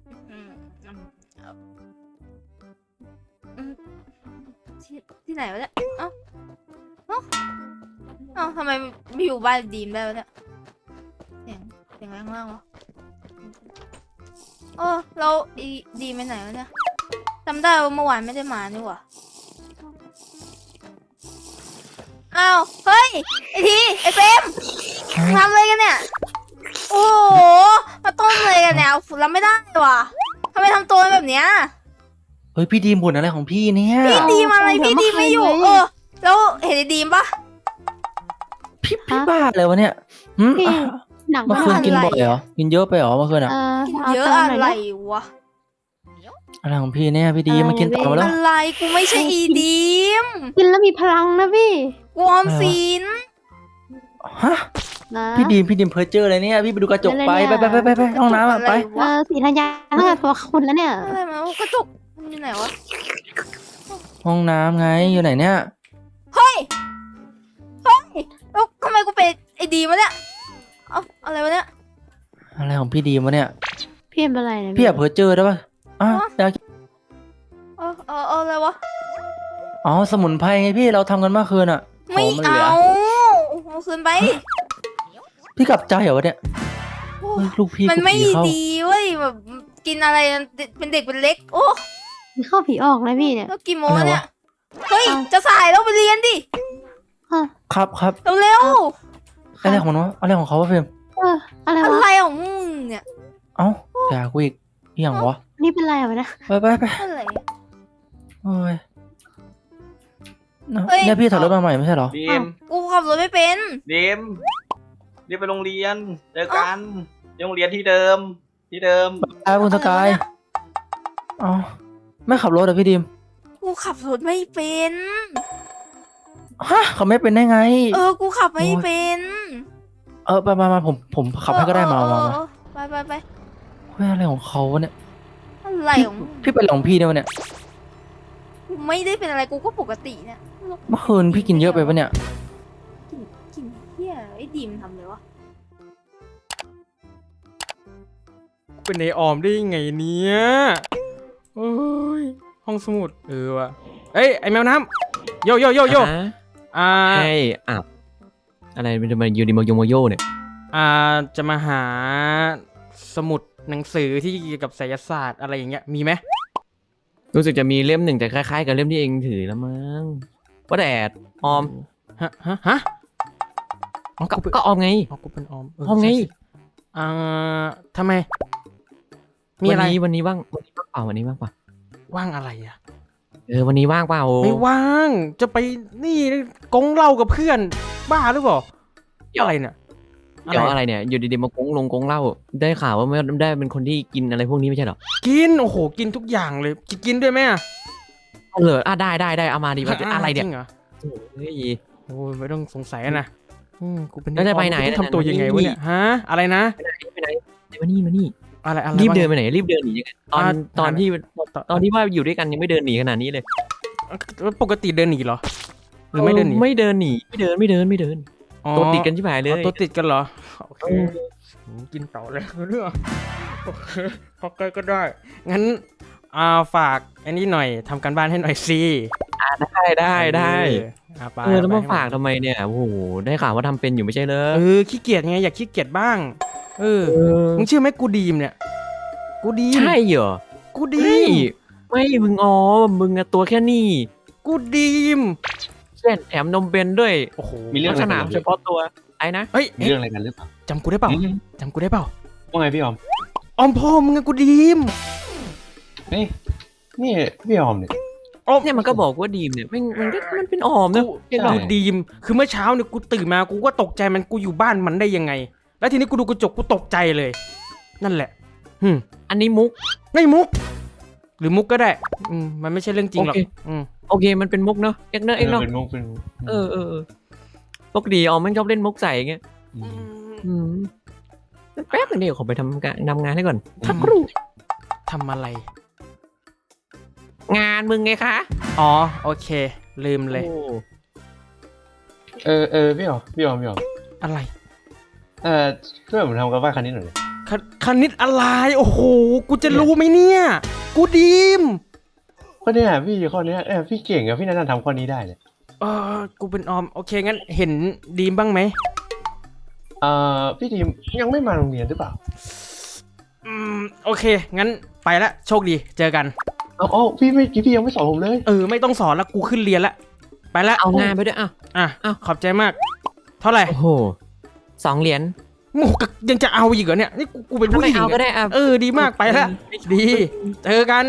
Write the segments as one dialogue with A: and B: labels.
A: อืมอืมอืมที่ไหนวะเนี่ยเอ้าเอ้าเอ้าทำไมไม่อยู่บ้านดีมได้วะเนี่ยเสียงอะไรข้างล่างวะโอ้เราดีมไปไหนวะเนี่ยจำได้ว่าเมื่อวานไม่ได้มานี่หว่าอ้าวเฮ้ยไอทีไอเฟรมทำอะไรกันเนี่ยโอ้โหมาต้มเลยกันเนี่ยเราไม่ได้ว่ะทำไมทำตัวแบบเนี้ย
B: เฮ้ยพี่ดีมบ่นอะไรของพี่เนี่ย
A: พี่ดีมอะไรพี่ดีมไม่อยู่แล้วเห็นไอ้ดีมปะ
B: พี่บ้าเลยวะเนี่ยหืม
C: พี่หนัง
B: เมื่อคืนกินบ่อยเหรอกินเยอะไปเหรอเมื่อคืนอ่ะ
A: กิน
C: เอา
A: เยอะ
C: ตามห
A: อะ
C: น่อย
A: ไร
C: นะ
A: วะ
B: อะไรของพี่เนี่ยพี่ดีมมากินต่อมาแล้ว
A: อะไรกูไม่ใช่อีดีม
C: กินแล้วมีพลังนะพี่
A: กูออมสิน
B: ฮะ
C: นะ
B: พี่ดีมเพอเจอร์อะไรเนี่ยพี่ไปดูกระจกไปห้องน้ำอะไป
C: สีธัญญาตั้งแต่ตัวคุณแล้วเนี่ย
A: อะไรมากระจกมันอยู่ไหนวะ
B: ห้องน้ำไงอยู่ไหนเนี่ย
A: เฮ้ยแล้วทำไมกูเป็นไอ้ดีมวะเนี่ยเอาอะไรวะเนี่ย
B: อะไรของพี่ดีมวะเนี่ย
C: พี่เป็นอะไรเนี่ย
B: พี่อยากเพอเจอร์ได้ปะอ่ะอยาก
A: อะไรวะ
B: อ๋อสมุนไพรไงพี่เราทำกันเมื่อคืนอ่ะ
A: ไม่
B: ขงนหลื
A: เอาเอาคืนไป
B: พี่กลับใจเหรอวะเนี่ย
A: โอ้
B: เฮ้ยลูกพี่
A: มัน
B: กู
A: ไม่
B: ผีเข้า
A: ดีเว้ยแบบกินอะไรเป็นเด็กเป็นเล็กโอ้
C: มีเข้าผีออกนะพี่เนี่ย
A: แล้วกี่โมงเนี่ย เฮ้ย จะสายแล้วไปเรียนดิ
C: อ่ะ
B: ครับ
A: เร็ว
B: อะไรของมันวะอะไรของเขาวะเฟรม
C: อะไร
A: ๆอะ
C: วะ
A: ไรของมึงเนี่ย
B: เอ้าด่ากูอีกอหย่างวะ
C: นี่เป็นอะไรวะนะ
B: ไป
A: อะไร
B: โอ้ย
A: เฮ้ย
B: เนี่ยพี่ถอยรถมาใหม่ไม่ใช่เหรอ
D: ดีม
A: กูขับรถไม่เป็น
D: ดีมรีบไปโรงเรียนเจอกันที่โรงเรียนที่เดิม
B: คุณสกายอ๋อไม่ขับรถเหรอพี่ดีม
A: กูขับรถไม่เป็น
B: ฮะเขาไม่เป็นได้ไง
A: กูขับไม่เป็น
B: มาผมขับให้ก็ได้มา
A: ไป
B: เฮ้ยอะไรของเขาวะเนี่ย
A: อะไรของมึง
B: พี่เป็นอะไรของพี่เนี่ยวะเนี่ย
A: กูไม่ได้เป็นอะไรกูก็ปกติเนี่ย
B: เมื่อคืนพี่กินเยอะไปปะเนี่ย
A: กินเฮียไอ้ดีมทำเลยวะ
E: เป็นไอออมได้ยังไงเนี่ยโอ้ยห้องสมุดว่ะเอ้ยไอแมวน้ำโย
F: ให้อ้าวอะไรมันจะมายูนิโมโยโมโยเนี่ย
E: จะมาหาสมุดหนังสือที่เกี่ยวกับไสยศาสตร์อะไรอย่างเงี้ยมีไหม
F: รู้สึกจะมีเล่มหนึ่งแต่คล้ายๆกับเล่มที่เองถือแล้วมั้งว่าแต่ออม
E: ฮะอ๋อ
F: ก็ออมไง
E: อ๋อกูเป็นออม
F: ออมไง
E: ใช่ทำไมมีอะไร
F: วันนี้ว่างเปล่าวันนี้ว่างเปล่า
E: ว่างอะไรอ่ะ
F: วันนี้ว่างเปล่า
E: ไม่ว่างจะไปนี่กงเหล้ากับเพื่อนบ้าหรือเปล่าอะไรเนี่ย
F: เดี๋ยวอะไรเนี่ยอยู่ดีๆมากงเหล้าได้ข่าวว่าไม่ได้เป็นคนที่กินอะไรพวกนี้ไม่ใช่เหรอ
E: กินโอ้โหกินทุกอย่างเลยกินด้วยไหมอ่ะ
F: เหรอได้เอามาดีมาอะไรเนี่ย
E: จริงเหรอ
F: เฮ้ย
E: โอ้ยไม่ต้องสงสัยนะกูเป็น
F: แล้วจะไปไหน
E: กูต้องทำตัวยังไงวะเนี่ยฮะอะไรนะ
F: ไปไหนมานี่
E: อะไร
F: รีบเดิน
E: วะ
F: ไปไหนรีบเดินหนียังไงตอนที่ว่าอยู่ด้วยกันยังไม่เดินหนีขนาดนี้เลย
E: ปกติเดินหนีเหรอหรือไม่เดินหนี
F: ไม่เดินหนีไม่เดิน
E: อ๋อ
F: ตัวติดกันใช่ไหมเลย
E: ตัวติดกันเหรอโอเคกินต่อเลยเรื่องโอเคพอใกล้ก็ได้งั้นฝากอันนี้หน่อยทำการบ้านให้หน่อยสิ
F: ได้
E: ไป
F: แล้วมาฝากทำไมเนี่ยโอ้โหได้ข่าวว่าทำเป็นอยู่ไม่ใช่เลย
E: ขี้เกียจไงอยากขี้เกียจบ้างมึงเชื่อไหมกูดีมเนี่ยกูดีม
F: ใช่เหรอ
E: กูดีม
F: ไม่มึงมึงอะตัวแค่นี้
E: กูดีม
F: เช่นแถมนมเบนด้วย
E: โอ้โห
D: มีเรื่อง
F: ลักษณะเฉพาะตัวไอ้นะ
E: เฮ้ย
D: มีเรื่องอะไรกันหรือเปล่า
E: จำกูได้เปล่าจำกูได้เปล่า
D: ว่าไงพี่ออม
E: ออมพ่อมึงอะกูดีม
D: เฮ้ยนี่พี่ออมเนี่ย
F: เนี่ยมันก็บอกว่าดีมเนี่ยมันเป็นออมนะ
E: กูดีมคือเมื่อเช้าเนี่ยกูตื่นมากูก็ตกใจมันกูอยู่บ้านมันได้ยังไง แล้วทีนี้กูดูกระจกกูตกใจเลย นั่นแหละ
F: อันนี้มุก
E: ไม่มุก หรือมุกก็ได้มันไม่ใช่เรื่องจริงหรอก
F: โอเคมันเป็นมุกเนอะเอ็กเนอะ
D: เป็นมุก
F: ปกติออมมันชอบเล่นมุกใส่ไงแป๊บนึงเดี๋ยวขอไปทำงานให้ก่อนสักครู่
E: ทำอะไร
F: งานมึงไงคะ
E: อ๋อโอเค ลืมเลย
D: พี่ออม
E: อะไร
D: ช่วยผมทำกับบ้านคันนี้หน่อย
E: คคณิตอะไรโอ้โหกูจะรู้ไหมเนี่ยกูดีม
G: ข้อเนี้ยพี่ข้อเนี้ยพี่เก่งอะพี่น่าจะทำข้อนี้ได้เลย
E: กูเป็นออมโอเคงั้นเห็นดีมบ้างไหม
G: พี่ทีมยังไม่มาโรงเรียนหรือเปล่า
E: โอเคงั้นไปละโชคดีเจอกัน
G: เอาพี่ยังไม่สอนผมเลย
E: ไม่ต้องสอนละกูขึ้นเรียนละไปละ
F: เอางานไปด้วยอ่ะ
E: ขอบใจมาก เท่าไหร่
F: โอ้โห2 เหรียญ
E: โอ้โหยังจะเอาอีกเหรอเนี่ยนี่กูเป็นผู้หญิง
F: เอาก็ได้อ่ะ
E: ดีมากไปละดีเจอกัน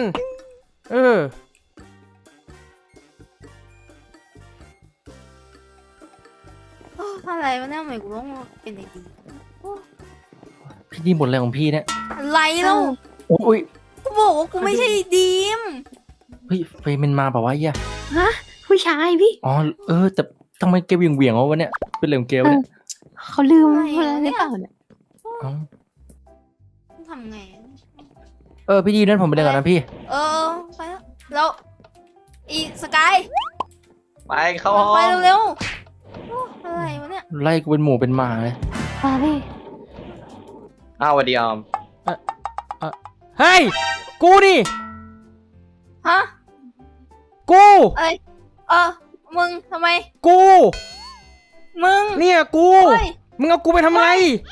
A: อะไรวะเนี่ยทำไมกูต้องเป็นไอ้ดี
B: พี่ดีมบ่นอะไรของพี่เนี่ย
A: อะไรเล่า
B: โอ้ย
A: กูบอกว่ากูไม่ใช่ดีม
B: เฮ้ยเฟย์มันมาแบบว่าเหี้ย
C: ผู้ชายพี่
B: อ๋อแต่ทำไมเกลเหวี่ยงวะเนี่ยเป็นเรื่องเกลเนี่ย
C: เขาลืมอะไรหรือเปล่าเนี่ย
B: อ๋อ
A: ทำไง
B: พี่ดีมนั่นผมไปเรียนก่อนนะพี่
A: ไปแล้วอีสกาย
D: ไปเข้าห้อง
A: ไปเร็วๆอะไรวะเนี่ย
B: ไล่กูเป็นหมูเป็นหมาเลย
C: มาพี่
D: อ้าวสวัสดีออม
E: เฮ้ยกูนี่
A: ฮะ
E: กู
A: มึงทำไม
E: กู
A: มึง
E: เนี่ยกู
A: เฮ้ย
E: มึงเอากูไปทำอะไร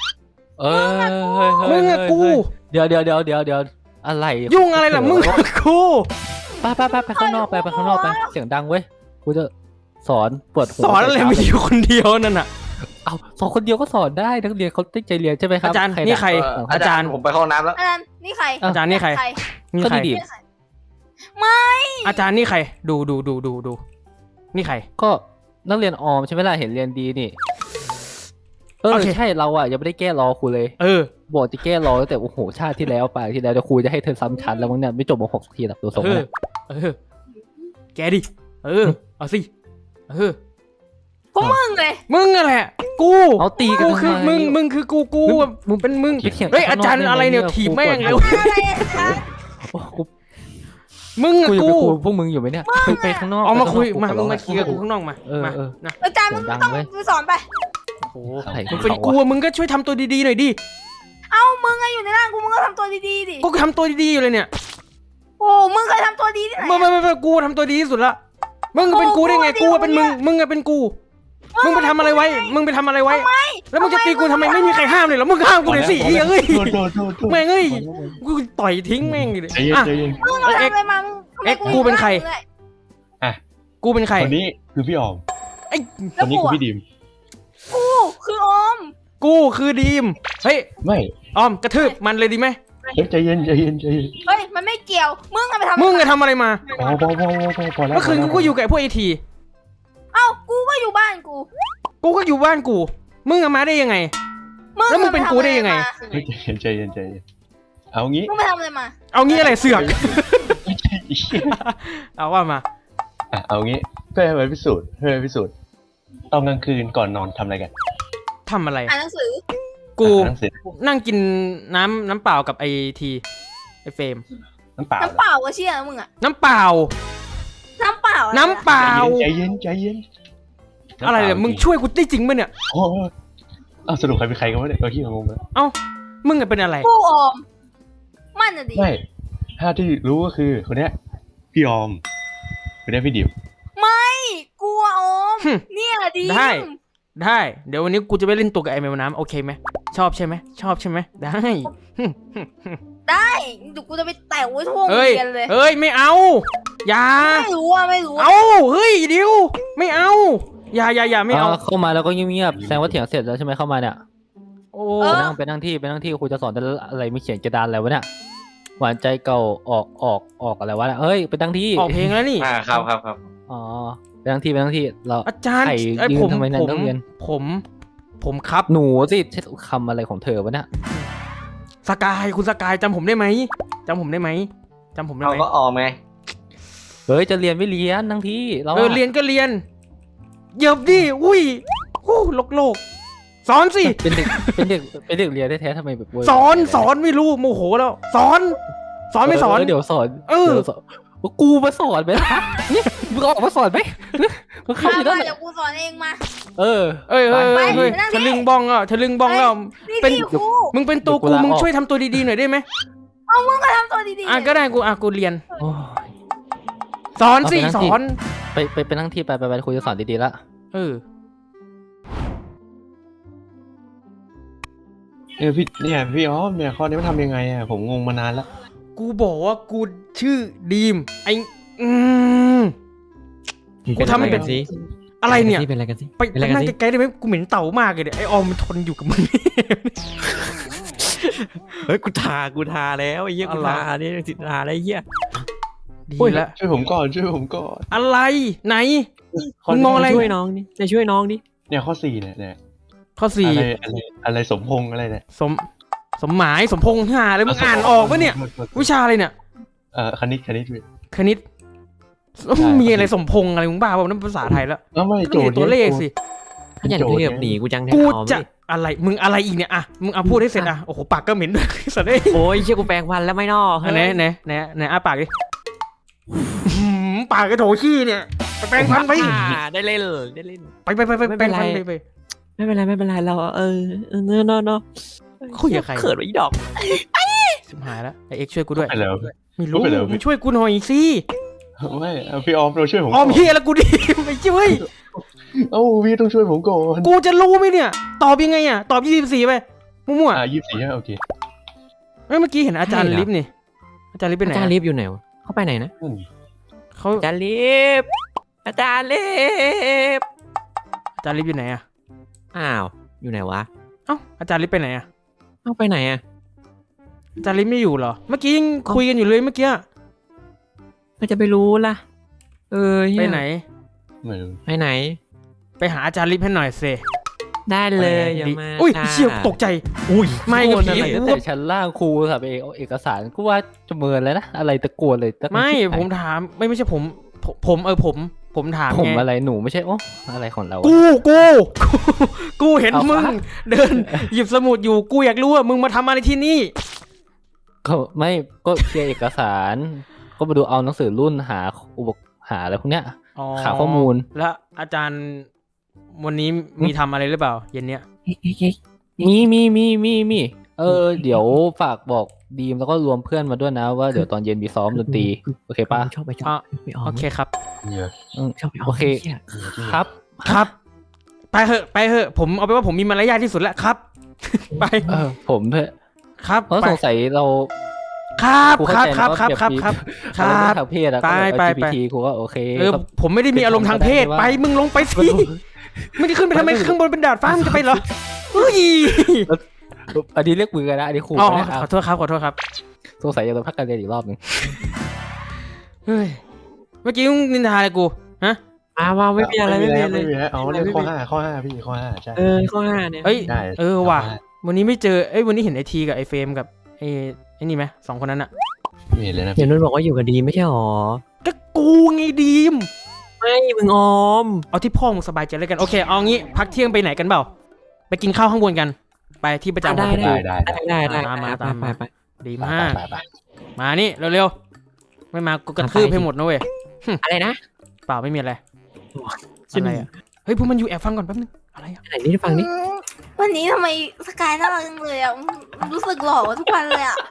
E: มึงอะกู
B: เดี๋ยวอะไร
E: ยุ่งอะไรล่ะมึงกับกู
B: ไปข้างนอกไปข้างนอกไปเสียงดังเว้ยกูจะสอนปวดหัว
E: สอนอะไรไม่อยู่คนเดียวนั่นน่ะ
B: เอาสอนคนเดียวก็สอนได้นักเรียนเขาตั้งใจเรียนใช่ไหมครับ
E: อาจารย์นี่ใคร
D: อาจารย์ผมไปเข้าห้องน้ำแล้ว
A: อาจารย์นี่ใคร
E: อาจารย์นี่ใครนี่
B: ก็
E: ใคร
B: ดี
A: ไม่
E: อาจารย์นี่ใครดูนี่ใคร
B: ก็นักเรียนออมใช่ไหมล่ะเห็นเรียนดีนี่
E: โอเค
B: ใช่เรายังไม่ได้แก้รอครูเลย บอกจะแก้รอตั้งแต่โอ้โหชาติที่แล้วไปที่แล้วจะครูจะให้เธอซ้ำชั้นแล้วมั้งเนี่ยไม่จบม.6 สักทีหรอกตัวสมเนี่ย
E: แกดิเอาสิ
A: พวกมึงเลย
E: มึงอะแหละกู
B: เอาตีกัน
E: กูคือ
B: ทำไ
E: มึงคือกู
B: มึง
E: เป็นมึง
B: ไปเถียง
E: เฮ้ย
B: ข้
E: อาง
B: นอก
E: จารย์
B: ได้ไหม
E: อะไรเนี่ย
B: เนี่ย
E: ถีบ
B: ครู
E: แม่ง
B: ปวด
E: เลย
A: อะไรอาจารย์
B: โอ้กู
E: มึงอะ
B: กูจะ
E: กู
B: ไปคุยพวกมึงอยู่ไหมเนี่ยไปข้างนอก
E: เอามาคุย
B: ไป
E: มา
B: ข้างน
E: มึ
B: อก
E: งมาเคลียร์กับกูข้างนอกมานะ
A: อาจารย์มึงไม่ต้องไปสอนไป
E: โอ้
B: อะไร
E: มึงเป็นกูอะมึงก็ช่วยทำตัวดีๆหน่อยดิ
A: เอ้ามึงอะอยู่ในร่างกูมึงก็ทำตัวดีๆดิ
E: กูทำตัวดีๆอยู่เลยเนี่ย
A: โอ้มึงเคยทำตัวดีที่ไหน
E: ไม่กูทำตัวดีที่สุดละมึงเป็นกูได้ไงกูเป็นมึงอะเป็นกูมึงไปทำอะไรไว้แล้วมึงจะตีกูทำไมไม่มีใครห้ามเลยเหรอมึงห้ามกูเลยสิเอ้ย
G: โทษ
E: แม่งเอ้ยกูต่อยทิ้งแม่งเลย
G: ใจเย็น
E: อ่ะ
G: ใจเย็น
A: มึงเอาทำอะไรมามึงทำไม
E: กูเป็นใคร กูเป็นใคร
G: คนนี้คือพี่ออม
E: ไอ้
G: คนนี้คือพี่ดีม
A: กูคือออม
E: กูคือดีมเฮ้ย
G: ไม่
E: ออมกระทืบมันเลยดีไหม
G: ใจเย็น
A: เฮ้ยมันไม่เกี่ยวมึงอะไปทำ
E: มึงอะทำอะไรมา
G: พอแล้ว
E: เมื่อคืนกูก็อยู่กับพวกไอที
A: เอ้ากูก็อยู่บ้านกู
E: กูก็อยู่บ้านกูมึงอะมาได้ยังไง แล้วมึงเป็นกูได้ยังไง
G: ใจเย็นเอางี้
A: มึงไปทำอะไรมา
E: เอางี้อะไรเสือก
G: ไม่ใช่
E: เอาว่ามา
G: เอางี้เพื่อให้มันพิสูจน์ตอนกลางคืนก่อนนอนทำอะไรกัน
E: ทำอะไร
A: อ่านหนังสือ
E: กู
G: หนังสือ
E: นั่งกินน้ำเปล่ากับไอทีไอเฟรม
G: น้ำเปล่า
A: น้ำเปล่าก็เชี่ยนะมึงอะ
E: น้ำเปล่า
A: น้ำเปล่า
E: น้ำเปล่า
G: ใจเย็น
E: อะไรเนี่ยมึงช่วยกูได้จริงป่ะเนี่ย
G: โอ้สรุปใครเป็นใครกันวะเนี่ยที่งงเลย
E: เอ้ามึงอะเป็นอะไร
A: กูออมมันอะดิ
G: ไม่ถ้าที่รู้ก็คือคนเนี้ยพี่ออมคนเนี้ยพี่ดิม
A: ไม่กูอะออมเนี่ยดิ
E: ได้เดี๋ยววันนี้กูจะไปเล่นตัวกับไอแมวน้ำโอเคไหมชอบใช่ไหมได้
A: ได้เดี๋ยวกูจะไปแตะไว้ทั่วโรง
E: เฮ้ย
A: เรียนเลย
E: เฮ้ยไม่เอาอย่า
A: ไม่รู้อะ
E: เอาเฮ้ยดิวไม่เอาอย่าไม่เอา
B: เข้ามาแล้วก็เงียบๆแสดงว่าเถียงเสร็จแล้วใช่ไหมเข้ามาเนี่ย
E: โอ้
B: ไปนั่งที่ครูจะสอนอะไรไม่เขียนกระดานอะไรวะเนี่ยหวานใจเก่าออกอะไรวะเนี่ยเฮ้ยไปนั่งที่
E: ออกเพลงแล้วนี่
D: ครับ
B: อ๋อไปนั่งที่เรา
E: อาจารย์
B: ไข่
E: ไอ้
B: ยื
E: ผ
B: น
E: ม
B: ทำไมนั่นต้องเรียน
E: ผมครับ
B: หนูสิใช้คำอะไรของเธอวะเนี่ย
E: สกายคุณสกายจำผมได้ไหม
D: เราก็ออมไง
B: เฮ้ยจะเรียนไม่เรียนนั่งที่เรา
E: เรียนก็เรียนเหยียบดิอุ้ยโลกสอนสิ
B: เป็นเด็กเรียนแท้ๆทำไมแบบ
E: สอนไม่รู้โมโหแล้วสอนไม่สอน
B: เดี๋ยวสอนกูมาสอนไหมล่ะเนี่ยมึงออกมาสอนไหมมึงเข้า
A: มา
B: อยู่นั่น
A: เดี๋ยวกูสอนเองมา
B: เออ
E: เอ้ย
A: ไป
E: ทะลึงบ้องอ่ะทะลึงบ้องแล้ว
A: นี่
E: เป็น
A: พี่ครู
E: มึงเป็นตัวกูมึงช่วยทำตัวดีๆหน่อยได้ไหม
A: เอามึงก็ทำตัวดีๆ
E: อ่ะก็ได้กูเรียน
B: โอ้ย
E: สอนสิ
B: เอาไปนั่ง
E: ส
B: ที่
E: อน
B: ไปนั่งที่ไปคุยจะสอนดีๆละ
E: เออ
G: พี่อ๋อเนี่ยข้อนี้มันทำยังไงอ่ะผมงงมานานแล้ว
E: กูบอกว่ากูชื่อดีมไอกูทำให้เป็น
F: สิ
E: อะไรเนี่ย
F: เป็นอะไรกันสิ
E: ไป
F: เป็นอะไรกั
E: นั่
F: น
E: ง
F: สิ
E: ไกลๆได้ไหมกูเหม็นเต่ามากเลยเนี่ยไอออมมันทนอยู่กับมึง
F: เฮ้ยกูทาแล้วไอ้เหี้ยกู
E: อะไร
F: ทาเนี่ยสิทาอะไรเหี้ย
E: ดี
G: โอ้ย
E: แล้ว
G: ช่วยผมก่อนช่วยผมก่อน
E: อะไรไหน
G: ข้
E: มึงมองอะไร
F: ช่วยน้องดิจะช่วยน้องดิ
G: เนี่ยข้อ4เนี่ย
E: ข้อสี่
G: อะไรสมพงษ์อะไรเนี่ย
E: สมหมายสมพงษ์หาอะไรมึงอ่านออกปะเนี่ยวิชาอะไรเนี่ย
G: คณิตพี่
E: คณิต
G: ใช่
E: มีอะไรสมพงษ์อะไรมึงบ้าเปล่านั่นภาษาไทยแล้ว
G: ไม่
E: ก็
G: โจ
E: มี
G: ทย์
E: ตัวเลขสิ
F: ขยันเรียบหนีกูจังแทน
E: กู
F: ออม
E: จะ
F: ดิ
E: อะไรมึงอะไรอีกเนี่ยอ่ะมึงเอาพูดให้เสร็จอ่ะโอ้โหปากก็เหม็นด้วย สัตว์เอ้ย
F: โอ้ยเชี่ยกูแปลงฟันแล้วไม่นอก
E: ไหนอ้าปากดิปากกระโถขี้เนี่ยไปแปรงฟันไป
F: ได้เล่น
E: ไปแปรงฟันไป
F: ไม่เป็นไรเราเนาะ
E: คุยกับใคร
F: เขินไว้อีดอก
E: ชิบหายแล้วไอเอ็กซ์ช่วยกูด้วย
G: ไปแล้ว
E: ไม่รู้
G: ไปแล้ว
E: มึงช่วยกูหน่อยสิ
G: ไม่พี่ออมเราช่วยผม
E: ออมเฮียแล้วกูดิไม่ช่วย
G: พี่ต้องช่วยผมก่อน
E: กูจะรู้ไหมเนี่ย ตอบยังไงอ่ะตอบ24ไปมั่ว
G: 24โอเค
E: ๆเฮ้ยเมื่อกี้เห็นอาจารย์ลิฟต์นี่อาจารย์ลิฟต์ไปไหน
F: อาจารย์ลิฟต์อยู่ไหนวะเขาไปไหนนะ
E: เขา
F: อาจารย์ลิฟต์อาจารย์ลิฟต์
E: อาจารย์ลิฟต์อยู่ไหนอ่ะ
F: อ้าวอยู่ไหนวะ
E: เอ้าอาจารย์ลิฟต์ไปไหนอ่ะ
F: เอาไปไหนอะ
E: อาจารย์ลิฟต์ไม่อยู่เหรอเมื่อกี้ยังคุยกันอยู่เลยเมื่อกี้
F: ก็จะไปรู้ล่ะเหี้ย
E: ไปไหน
G: ไม่รู้
F: ไปไหน
E: ไปหาอาจารย์ลิฟต์ให้หน่อยสิ
F: ได้เลยอย่ามา
E: อุ้ย
F: ค่ะ
E: เชี่ยตกใจ
F: อุ้ย
E: ไม่
B: โก
E: กับ
B: น
E: ผี
B: อะไรตั้งแต่ชั้นล่างครูค่ะไปเอาเอกสารกูว่าจะเมินแล้วนะอะไรตะโกนเลยตั้ง
E: ไม่
B: ที่ไหน
E: ผมถามไม่ใช่ผมถาม
B: ผม
E: ไง
B: อะไรหนูไม่ใช่โอ้อะไรของเราอะ
E: กูเห็น
B: เอา
E: มึง
B: ฟ้า
E: เดินหยิบสมุดอยู่กูอยากรู้ว่ามึงมาทำอะไรที่นี่
B: ก็ไม่ก็เคลียร์เอกสาร ก็มาดูเอาหนังสือรุ่นหาหาอะไรพวกเนี้ย หาข้อมูล
E: แล้วอาจารย์วันนี้มีทำอะไรหรือเปล่าเย็นเนี้ย
B: มีเดี๋ยวฝากบอกดีมแล้วก็รวมเพื่อนมาด้วยนะว่าเดี๋ยวตอนเย็นมีซ้อมดนตรีโอเคปะ
F: ชอบไปออม
E: โอเคครับ
G: เนี่ย
F: ชอบไปออม
B: โอเค
F: หี้ย
B: ครับ
E: ครับ ไปเถอะผมเอาไปนว่าผมมีมารยาทที่สุดแล้วครับ ไป
B: ผมเถอะ
E: ครับ
B: เพราะ
E: ไป
B: สงสัยเรา
E: ครับ
B: ครู
E: ค
B: เข้า
E: รับ
B: ใจ
E: ครับ
B: นะ
E: ครับ
B: ว่า
E: ครับ
B: อะไร
E: ครับ
B: ทางเพศอะ
E: ไป
B: ก็
E: ไป
B: LGBT ครูก็โอเค
E: ก็ผมไม่ได้มีอารมณ์ทางเพศไปมึงลงไปสิมึงจะขึ้นไปทำไมข้างบนเป็นดาดฟ้ามึงจะไปเหรอเฮ้ย
B: อันนี้เรียกมือกันนะอันนี้ครู
E: อ๋อ
B: นะค
E: ข
B: รั
E: อบ โทษครับ
B: สงสัยจะโดนพักการเรียนอีกรอบหนึง
E: เฮ้ยเมื่อกี้มึงนินทาอะไรกูฮะ
F: ว่าไม่มีอะไรไม่มีอะไร
G: อ๋อเรื่องข้อ5พี่ข้อ5ใช่
F: ข้อห้าเนี่ย
E: เอ้ย
G: ได้
E: ว่ะวันนี้ไม่เจอวันนี้เห็นไอทีกับไอเฟรมกับไอ้นี่ไหมสองคนนั้นอะ
G: มีเลยนะ
F: เดี๋ยวนุ่นบอกว่าอยู่กับดีไม่ใช่หรอ
E: ก็กูไงดีม
F: ไม่มึงออม
E: เอาที่พ่อมึงสบายใจแล้วกันโอเคเอางี้พักเที่ยงไปไหนกันเปล่าไปกินข้าวข้างบนกัน ไปที่ประจำของ
G: ได้
E: ไปดีมากมานี่เร็วๆไม่มากูกระทืบให้หมดนะเว้ย
F: อะไรนะ
E: เปล่าไม่มีอะไรอะไรอะเฮ้ยพวกมันอยู่แอบฟังก่อนแป๊บนึงอะไรอะ
F: ไหนนี่ฟังนี่
A: วันนี้ทำไมสกายน่ารักจังเลยอ่ะรู้สึกหล่อกว่าทุกวันเลยอ่ะ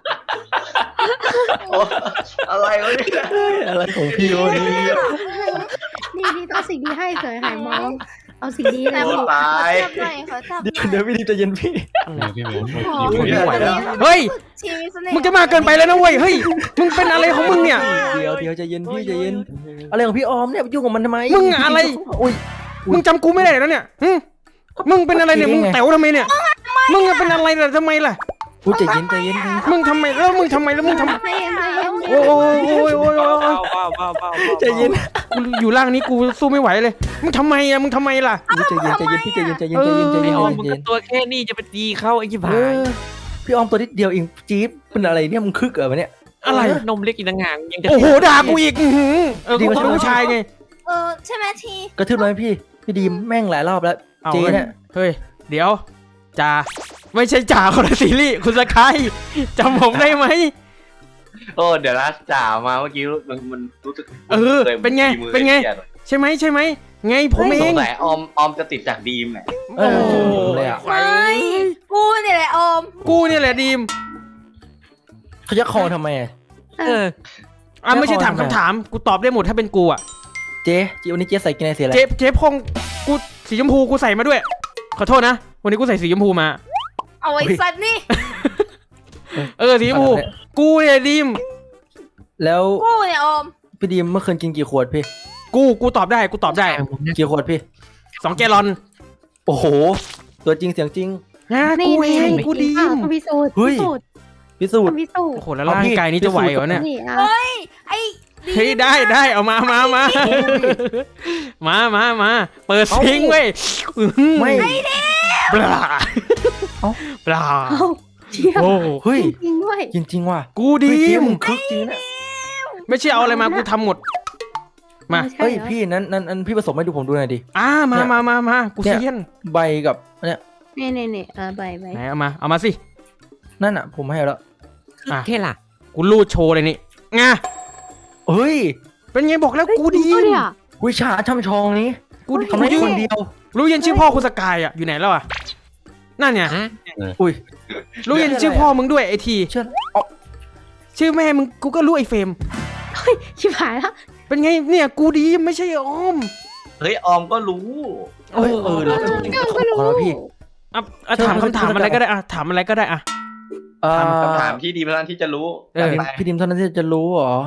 D: อะไรวะเนี่ย
B: อะไรของพี่วะนี่
C: นี่เอาสิ่งดีให้เสยหายมอง เอาสิ่งดี
A: แต่
C: นะ
A: ขอ
D: ตาย
A: จับหน่อยขอจับหน่อย
B: เดี๋ยวพี่ดีจะเย็นพี่
G: พี่เหมือน
D: ไม่ไหวแล้ว
E: เฮ้ย
A: ชีมีเสน่ห์
E: มึงจะมาเกินไปแล้วนะเว้ยเฮ้ยมึงเป็นอะไรของมึงเนี่ย
B: เดี๋ยวใจเย็นพี่ใจเย็นอะไรของพี่ออมเนี่ยยุ่งกับมันทำไม
E: มึงอะไร
B: อุ้ย
E: มึงจำกูไม่ได้แล้วเนี่ยมึงเป็นอะไรเนี่ยมึงแต๋วทำไมเนี่ยมึงเป็นอะไรล่ะทำไมล่ะ
B: อุ้ยใจเย็น
E: มึงทำไมแล้วมึงทำไม
C: ให้เย็นใจเย็น
E: โอ้ย
B: ใจเย็น
E: กูอยู่ล่างนี้กูสู้ไม่ไหวเลยมึงทำไมล่ะ
B: ใจเย็นพี่ใจเย็น
F: ไอออมมึงก็ตัวแค่นี้จะไปตีเข้าไอ้ยี่บ้า
B: พี่ออมตัวนิดเดียวเองจี๊บเป็นอะไรเนี่ยมึงคึกเหรอเนี่ย
E: อะไร
F: นมเล็กอีกต่างหากยังจะ
E: โอ้โหด่ากูอีกกูเป็นผู้ชายไง
A: ใช่ไหมที
B: กระทืบเลยพี่ดีมแม่งหลายรอบแล้ว
E: เอา
B: เจ๊เนี่ย
E: เฮ้ยเดี๋ยวจ่าไม่ใช่จ่าคนละซีรีส์คุณสกายจำผมได้ไหม
D: โอ้เดี๋ยวนะจ่ามาเมื่อกี้มันรู้สึก
E: เป็นไง
D: มือ
E: เป็นไง
D: ครียด
E: ใช่ไหมใช่ไหมไงผมเอ
D: ส
E: ง
D: งสัยออมจะติดจากดีมแหละ
B: เออเลยอ่ะ
A: ไม่กูเนี่ยแหละออม
E: กูเนี่ยแหละดีม
B: เขาจะคอทำไมอะ
F: เออ
E: ไม่ใช่ถามคำถามกูตอบได้หมดถ้าเป็นกูอ่ะ
B: เจ๊วันนี้เจ๊ใส่กินอะไรเสียอะไร
E: เจ๊พงกูสีชมพูกูใส่มาด้วย ขอโทษนะวันนี้กูใส่สีชมพูมา
A: เอาไว้สัตว์นี่
E: สีชมพูกูเนี่ยดีม
B: แล้ว
A: กูเนี่ยออม
B: พี่ดีมเมื่อคืนกินกี่ขวดพี่
E: กูตอบได้
B: กี่ขวดพี่
E: 2 แกลลอน
B: โอ้โห ตัวจริงเสียงจริง
E: นะ
C: นี่
E: กูเอง
C: นี่
E: กูดีม
C: ต้องพิสูจน์
B: เฮ้ย
C: พิสูจน์
B: พิสูจน์
C: ต้องพิสูจน์
E: โอ้โหแล้วร่างกายนี้จะไหวเหรอเนี่ย
C: นี่อ่ะ
A: เฮ้ยไอ้ดี
E: เฮ้ยได้เอามาเปิดซิงค์เว้ย
B: ไม่
E: ปลา
B: เอ้า
E: ปลา
C: เอ้าเชี่ย
E: โอ้
B: เฮ้ย
C: จริงด้วย
B: จริงว่ะ
E: กูดี
B: เฮ้ยเจ๊
E: ม
B: มึงคึกจริงนะ
E: ไม่ใช่เอาอะไรมากูทำหมด มา
C: ใช่
B: เฮ้ย
C: หรอ
B: พี่นั้นพี่ผสมให้ดูผมดูหน่อยดิ
E: มากู
B: เนี่ย
E: เซียน
B: ใบกับเนี่ย
C: นี่ใบ
E: ไหนเอามาสิ
B: นั่นอ่ะผมให้แล้ว
E: อ่ะ
F: แค่ล่ะ
E: กูรูดโชว์เลยนี่ไง
B: เฮ้ย
E: เป็นไงบอกแล้วกูดี
C: เฮ้ย
E: ม
C: เนี่ย
B: วิชาช่ำชองนี้
E: กู
B: ทำได้
E: ยื
B: คน นเดียว
E: รู้ยันชื่อพ่อคุณสกายอ่ะอยู่ไหนแล้วอ่ะนั่นเนี่ย
F: ฮะ
B: อุ้ย
E: รู้ยันชื่อพ่อมึงด้วยไอที
B: เชื่ออ๋อ
E: ชื่อแม่มึงกูก็รู้ไอเฟรม
C: ชิบหายแล้ว
E: เป็นไงเนี่ยกูดีมไม่ใช่ออม
D: เฮ้ยออมก็รู้
B: เอ้ยเราจะกินขอแล้วพี่
E: อ่ะถามคำถามอะไรก็ได้อ่ะถามอะไรก็ได้อ่ะ
D: คำถามที่ดีเท่านั้นที่จะรู้
E: เออ
D: จัดไป
B: พี่ดิมเท่านั้นที่จะรู้เหรอ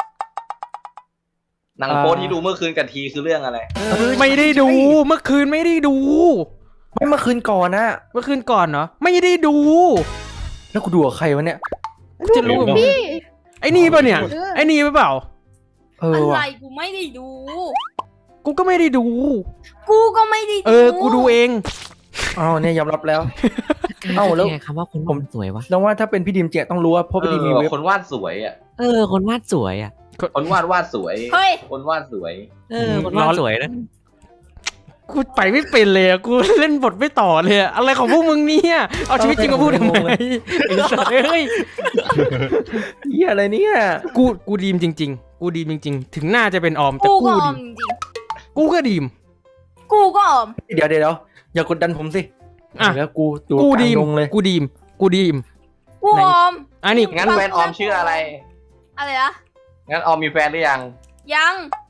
D: หนังโป๊ที่ดูเมื่อคืนกับทีคือเรื่องอะไร
E: ไม่ได้ดูเมื่อคืนไม่ได้ดู
B: ไม่เมื่อคืนก่อนนะ
E: เมื่อคืนก่อนเนาะไม่ได้ดู
B: แล้วกูดูกับใครวะเนี่ย
E: จะรู้กับมึง
C: พี่
E: ไอ้นี่ป่ะเนี่ยไอ้นี่ป่ะเปล่า
B: เออ
A: อะไร
B: ว่ะ
A: กูไม่ได้ดู
E: กูก็ไม่ได้ดู
A: กูก็ไม่ได้ดู
E: กูดูเอง
B: อ้าวเนี่ยยอมรับแล้ว เอ้าแล้ว
F: ไงคำว่าคน
B: ผม
F: วาดสวยวะ
B: แล้วว่าถ้าเป็นพี่ดิมเจต้องรู้ว่าเพราะพี่ดิมมีเว็บ
D: คนวาดสวยอ่ะ
F: คนวาดสวยอ่ะ
D: คนวาดสวย
A: เฮ้ย
D: คนวาดสวย
F: คนวาดสวยนะ
E: กูไปไม่เป็นเลยอะกูเล่นบทไม่ต่อเลยอะอะไรของพวกมึงเนี่ยเอาชีวิตจริงมาพูดทำไมไอ้สัตว์เอ้ย
B: เหี้ยอะไรเนี่ย
E: กูดีมจริง ๆ กูดีมจริง ๆ ถึงหน้าจะเป็นออมแต่
A: กู
E: กู
A: ก็อ
E: ดี
A: อม
E: ม
A: จริง
E: กูก็ดีม
A: ๆกูก็ออม
B: เดี๋ยวอย่ากดดันผมสิ
E: อ่ะ
B: แล้วกูดู
E: กู
B: กลา
E: ดี
B: ง
E: ม
B: ดงเลย
E: กูดีม
A: กูออม
E: อันนี้
D: งั้นแฟนออมชื่ออะไร
A: อะไรนะ
D: งั้นออมมีแฟนหรือยัง
A: ยัง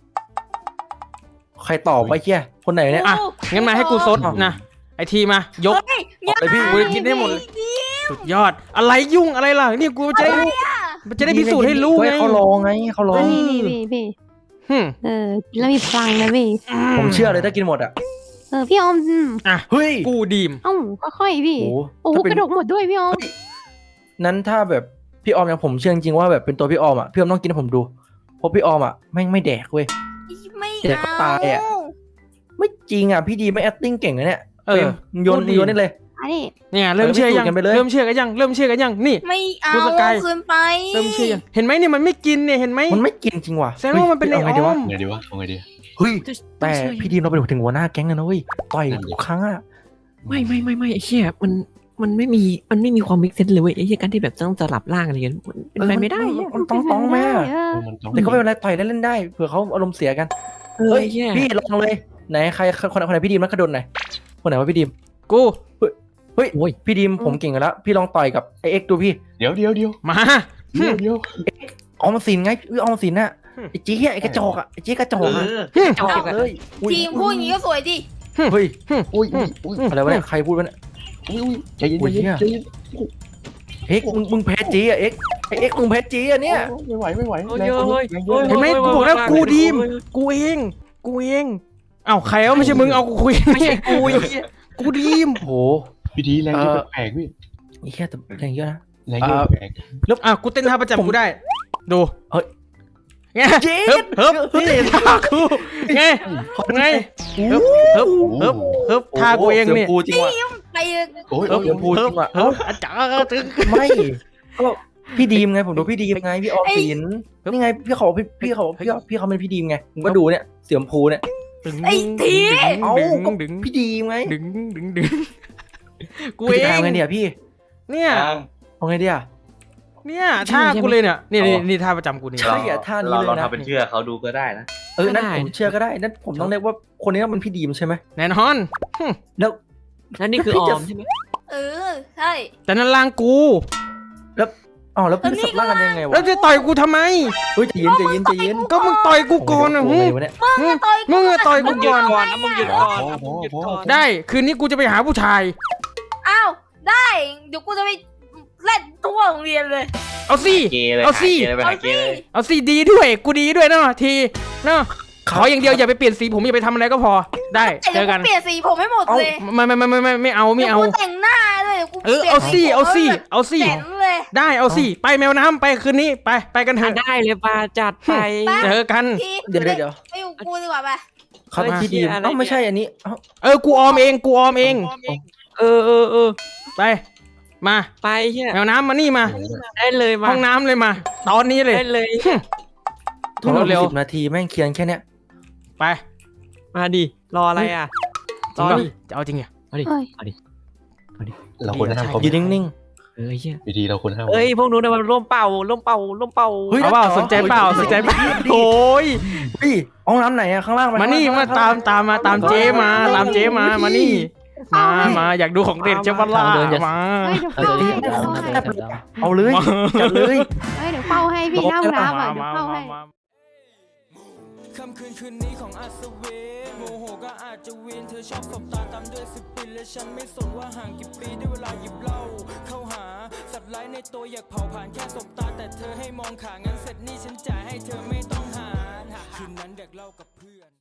B: ใครตอบไปเหี้ยคนไหนเนี่ย
E: อ่ะงั้นมาให้กูซดนะไอทีมายก
A: เฮ้ย
B: เอาเลยพี่
E: กูจะกินได้หมดเลย สุดยอดอะไรยุ่งอะไรล่ะนี่กูจะได้พิสูจน์ให้รู้ไง
B: เฮ้ยเขารอไงเขารอ
C: นี่พี่
E: หึ
C: กินแล้วมีพลังนะพี่
B: ผมเชื่อเลยถ้ากินหมดอ่ะ
C: พี่ออม
B: เฮ้ย
E: กูดีม
C: เอ้าค่อยๆพี่
B: โอ้
C: โอ้
B: ถ้าเป็น
C: กระดกหมดด้วยพี่ออม
B: นั้นถ้าแบบพี่ออมอย่างผมเชื่อจริงๆว่าแบบเป็นตัวพี่ออมอ่ะพี่ออมต้องกินให้ผมดูเพราะพี่ออมอ่ะแม่งไม่แดกเว้ย
A: ไม่
B: เดี๋ยวก็ตายอะ ไม่จริงอ่ะพี่ดีไม่ acting เก่งนะเนี่ย
E: เออ
B: เฟรมโยนได้เลย
C: อันนี้
E: เนี่ยเริ่มเชื่อยัง
B: พิสูจน์กันไปเลย
E: เริ่มเชื่อกันยังนี่
A: ไม่เอา
E: กูสกาย
A: คืนไป
E: เริ่มเชื่อยังเห็นไหมเนี่ยมันไม่กินเนี่ยเห็นไหม
B: มันไม่กินจริงว่ะ
E: แสดงว่ามันเป็นไอ้
B: ฮ้ย
E: อ้อม
G: ไงดีวะเอาไงดี
B: เฮ้ยแต่พี่ดีมเราเป็นถึงหัวหน้าแก๊งเลยนะเว้ยต่อยทุกครั้งอ่ะ
F: ไม่ไอ้เหี้ยมันไม่มีความมิกเซนเลยเว้ยไอ้เหี้ยการที่แบบต้องสลับร่างอะไรกันมันเป็นไปไม่ได้อะ
B: มันต้องแม่
G: มันต้อง
B: แต่ก็ไม่เป็นไรต่อยได้เล่นได้เผื่อเขาอารมณ์เสียกัน
F: เฮ้
B: เฮ้
F: ย
B: ย
F: เหี้ย
B: พี่ลองเลยไหนใครคนไหนพี่ดีมนักกระโดดไหนคนไหนว่าพี่ดีม
E: กู
B: เฮ้ยพี่ดีมผมเก่งกันแล้วพี่ลองต่อยกับไอเอ็กดูพี่
G: เดี๋ยว
E: มา
G: เดี๋ยว
B: ออมสินไงออมสินน่ะไอจีเหี้ยไอกระจอกอ่ะไอจีกระจอกอ่ะ
F: จอก
B: เลย
A: ทีมพูดอย่างนี้ก็สวยดิ
B: เฮ้ย
G: อุ้ย
B: อะไรวะเนี่ยใครพูดวะเนี่ย
G: ใจเย็น
B: อุ้ยเหี้ย
G: ใจเย็น
B: เอ็กมึงแพ้จีอ่ะเอ็กไอเอ็กมึงแพ้จีอ่ะเนี่ย
G: ไม่ไหว
F: เฮ้ย
E: เห็นไหมกูบอกแล้วกูดีมกูเองเอ้าใครไม่ใช่มึงเอากูคุย
F: ไม่ใช่กูไอ้เหี้ย
E: กูดีม
B: โห
G: พี่ดีแรงเยอะแปลกพี่
B: ไอ้แค่แต่แรงเยอะนะ
G: แรงเยอะแปลก
E: อ่ะกูเต้นท่าประจำกูได้ดู
B: เฮ้ย
E: ไงเฮิบนี่ท่ากูไงเฮิบท่ากูเองนี่
B: สียพูจริงว่ะ
A: ไป
G: โอ้ย
B: เสียงพูจริงว่ะ
E: เฮิบอาจารย์
B: ไม่ก็พี่ดีมไงผมดูพี่ดีมไงพี่ออมสินนี่ไงพี่เขาเป็นพี่ดีมไงผมก็ดูเนี่ยเสียงพูเนี่ย เอ้าก็
E: ดึง
B: พี่ดีมไง
E: ดึงกู
B: พี่
E: เอ
B: จะ
E: ง
B: ทำไงเนี่ยพี่
E: เนี่ย
B: เอาไงดีอ่ะ
E: เนี่ยท่ากูเลยเนี่ยนี่ท่าประจำกูนี่
B: ใช่อะท่านี้เลย
D: เรา
B: นะ
D: ทำเป็นเชื่อเขาดูก็ได้นะ
B: นั่นผมเชื่อก็ได้นั่นผมต้องเรียกว่าคนนี้มันพี่ดีมใช่ไหม
E: แน่นอน
B: แล้ว
F: นั่นนี่คือออมใช่ไหม
A: เออใช่
E: แต่นั่นล่างกู
B: แล้วพี่สับล่างกันยังไงวะ
E: แล้วจะต่อยกูทำไม
B: เฮ้ยใจเย็นใจเย็นใจเย็น
E: ก็มึงต่อยกูก่อนอะ
B: โอ้
E: หึ
B: โหเนี่ย
E: มึงอะต่อยกูก่อน
G: มึงหยุดก่อนมึงหยุดก่อน
E: ได้คืนนี้กูจะไปหาผู้ชาย
A: อ้าวได้เดี๋ยวกูจะไปเล่นทั่วโรงเรียนเลย
E: เอาสิ
D: เกย์เลย
E: เอาสิ
D: ไป
A: เอา
D: หาเก
A: สิ
D: ย์เลย
E: เอาสิดีด้วยกูดีด้วยเนาะทีเนาะขออย่างเดียวอย่าไปเปลี่ยนสีผมอย่าไปทำอะไรก็พอได้เจ
A: เดี๋ย
E: อ
A: ว
E: กั
A: กู
E: น
A: เปลี่ยนสีผมให้หมดเลย
E: ไม่เอาไม่เอา
A: ดี๋ยวกูแต่งหน้าด้วยเดี๋ยวกู
E: เอาสิเอาสิ
A: แบบ
E: เอาสิ
A: แจ๋นเลย
E: ได้เอาสิไปแมวน้ำไปคืนนี้ไปกันเถอะ
F: ได้เลยปาจัดไป
E: เจอกัน
A: ที
B: เดี๋ยว
A: ไปอยู่กูดีกว่าไป
B: เขาเป็นพี่ดีมไม่ใช่อันนี้
E: กูออมเอง
F: เออ
E: ไปมา
F: ไปเฮีย
E: แมวน้ำมานี่มา
F: ได้เลยมา
E: ห้องน้ำเลยมา ตอนนี้เลย
F: ได้เลย
B: ทุกเรา
E: เร็ว
B: 10 นาทีแม่งเคียนแค่เนี้ย
E: ไป
F: มาดิรออะไรอ่ะ
E: จริงปะจะเอาจริงเหรอ
F: เอาดิ
C: เฮ้ย
F: เอาดิ
G: เราควรห้ามเขา
B: ยืนนิ่ง
F: เอ้ยเฮีย
G: วิธีเราควรห้าม
F: เอ้ยพวกนู้นนะมันร่วมเป่า
B: เฮ้ย
E: เอาเปล่าสนใจเปล่าสนใจเปล่าโอ้ย
B: ๆพี่ห้องน้ำไหนอะข้างล่าง
E: มานี่มาตามเจ๊มามานี่มาอยากดูของเด็ดเจ้าบัลล่ามา
C: เฮ้ยเดี๋ยวเฝ้าให้เดี๋ยวเฝ้าให้
B: เอาเลยจัดเลย
C: เฮ้ยเดี๋ยวเฝ้าให้พี่หน้าห้องน้ำอ่ะเดี๋ยวเฝ้าให้
E: ค่ำคืนนี้ของอัศวินโมโหก็อาจจะวินเธอชอบสบตาตามด้วยสปินและฉันไม่สนว่าห่างกี่ปีได้เวลาหยิบเหล้าเข้าหาสัตว์ร้ายในตัวอยากเผาผ่านแค่สบตาแต่เธอให้มองขางั้นเสร็จนี่ฉันจ่ายให้เธอไม่ต้องหารคืนนั้นเด็กเล่ากับเพื่อน